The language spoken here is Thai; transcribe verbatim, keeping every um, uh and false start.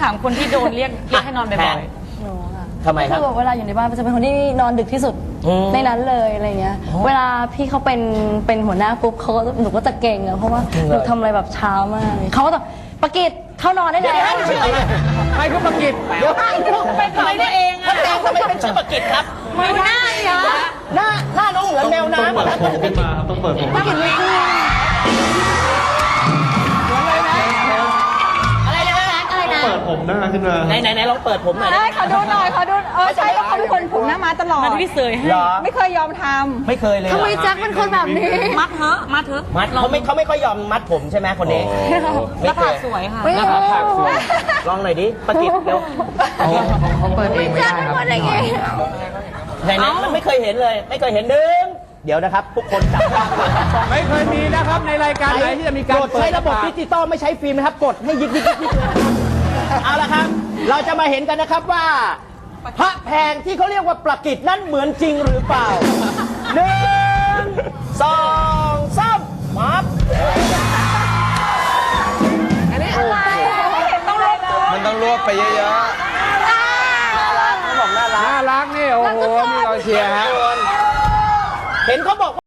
ถามคนที่โดนเรียกเรียกให้นอนบ่อยหนูค่ะทำไมครับคือเวลาอยู่ในบ้านจะเป็นคนที่นอนดึกที่สุดอืมในนั้นเลยอะไรเงี้ย เวลาพี่เขาเป็นเป็นหัวหน้าปุ๊บเขาก็หนูก็จะเก่งอะเพราะว่าหนูทำอะไรแบบเช้ามากเลยเขาก็ต้องปกิจเข้านอนได้แล้วใครคือปกิจเดี๋ยวๆไปก่อนตัวเองอะทำไมเป็นชื่อปกิจครับไม่ได้อะหน้าหน้าน้องเหมือนแมวน้ำเปิดผมขึ้นมาครับต้องเปิดผมปกิจไม่คืออะไรนะอะไรนะเปิดผมหน้าขึ้นมาไหนไหนไหนลองเปิดผมหน่อยได้ขอดูหน่อยขอดูเออใช่เพราะเขาเป็นคนผมหน้าม้าตลอดมันพี่เสยให้เหรอไม่เคยยอมทไม่เคยเลยเหรทำอไมแจ็คเป็นคนแบบนี้มัดเถอะมัดเถอะมัดเขาไม่เขาไม่ค่อยยอมมัดผมใช่ไหมคนนี้หน้าผากสวยค่ะไม่หน้าผากผากสวยลองหน่อยดิปกิจเดี๋ยวเขาเปิดเองไม่แจ็คได้เป็นครับคนอย่างงี้ไหนไหนมันไม่เคยเห็นเลย ไม่เคยเห็นดึงเดี๋ยวนะครับทุกคนจับต้องไม่เคยมีนะครับในรายการไหนที่จะมีการกดใช้ระบบดิจิตอลไม่ใช้ฟิล์มนะครับ กดให้ยิกยิกยิกยิกเลยเอาละครับ เราจะมาเห็นกันนะครับว่า พระแพงที่เขาเรียกว่าประกิจนั้นเหมือนจริงหรือเปล่าหนึ่งสองสามมับมันต้องรวบไปเยอะเขาบอกน่ารักๆน่ารักนี่โอ้โหมีเราเชียร์ฮะเห็นเขาบอก